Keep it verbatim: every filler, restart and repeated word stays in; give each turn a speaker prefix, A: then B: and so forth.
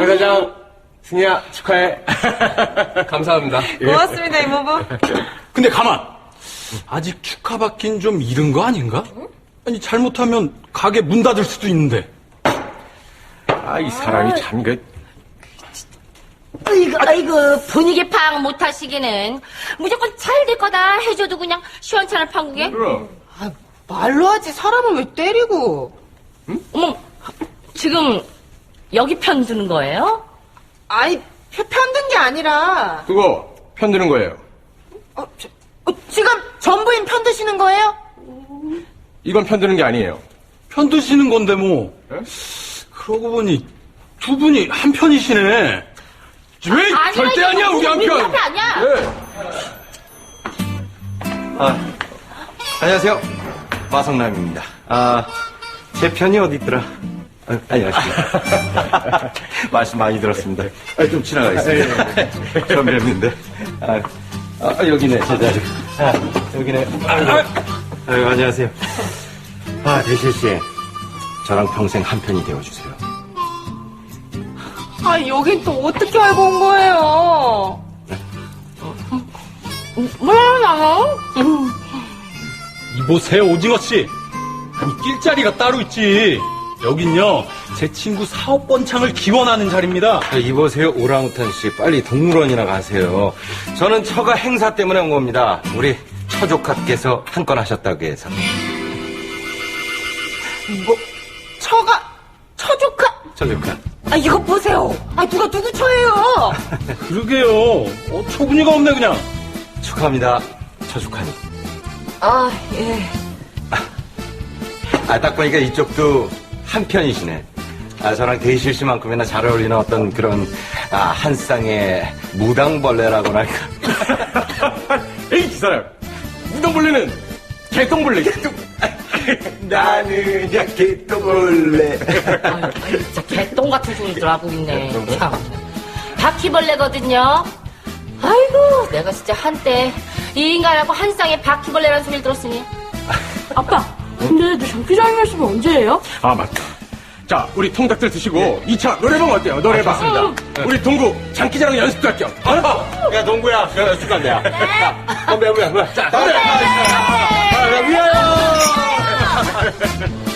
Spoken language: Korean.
A: 회장, 승희야, 축하해. 감사합니다.
B: 고맙습니다, 이모부.
C: 근데 가만! 아직 축하받긴 좀 이른 거 아닌가? 아니, 잘못하면 가게 문 닫을 수도 있는데.
A: 아, 이 사람이 참, 그.
D: 아이고, 아이고, 분위기 파악 못하시기는 무조건 잘 될 거다 해줘도 그냥 시원찮은 판국에.
A: 그럼.
B: 아, 말로 하지, 사람을 왜 때리고.
D: 응? 어머, 지금 여기 편드는 거예요?
B: 아이, 편- 편든 게 아니라.
A: 그거, 편드는 거예요.
B: 어, 저, 어, 지금 전부인 편드시는 거예요?
A: 이건 편드는 게 아니에요.
C: 편드시는 건데 뭐.
A: 에?
C: 그러고 보니 두 분이 한 편이시네.
A: 왜?
D: 아니야,
A: 절대
D: 이거
A: 아니야, 우리 한
D: 우리
A: 편.
D: 한 편 아니야.
A: 네.
E: 아, 안녕하세요. 마성남입니다. 아, 제 편이 어디 있더라? 아, 안녕하십니까. 말씀 많이 들었습니다. 아, 좀 지나가겠습니다. 처음 뵙는데. 아, 아, 여기네, 제 자리. 아, 여기네. 아, 아유, 안녕하세요. 아, 대실 씨. 저랑 평생 한 편이 되어주세요.
B: 아, 여긴 또 어떻게 알고 온 거예요?
D: 몰라요.
C: 이보세요, 오징어씨. 아니, 낄 자리가 따로 있지. 여긴요, 제 친구 사업 번창을 기원하는 자리입니다.
E: 아, 이보세요, 오랑우탄 씨. 빨리 동물원이나 가세요. 저는 처가 행사 때문에 온 겁니다. 우리 처조카께서 한 건 하셨다고 해서.
B: 뭐, 처가, 처조카.
E: 처조카.
B: 아, 이거 보세요. 아, 누가 누구 처예요?
C: 그러게요. 어, 초분이가 없네, 그냥.
E: 축하합니다, 처조카님.
D: 아, 예.
E: 아, 딱 보니까 이쪽도 한 편이시네. 아, 저랑 대실 씨만큼이나 잘 어울리는 어떤 그런, 아, 한 쌍의 무당벌레라고나 할까.
A: 에이, 이 사람. 무당벌레는 개똥벌레. 개똥.
E: 나는 야 개똥벌레.
D: 아, 진짜 개똥 같은 소리들 하고 있네. 참. 바퀴벌레거든요. 아이고, 내가 진짜 한때 이 인간하고 한 쌍의 바퀴벌레라는 소리를 들었으니.
F: 아빠, 근데 너 장기자랑 말씀이 언제예요?
A: 아, 맞다. 자, 우리 통닭들 드시고 이 차 노래방 어때요? 노래방.
E: 아, 좋습니다.
A: 우리 동구 장기자랑 연습도 할게요. 어?
E: 야, 동구야. 야, 축하한다.
D: 네.
E: 건배, 건배, 건배. 자,
A: 노래.
E: 아, 야, 위하여!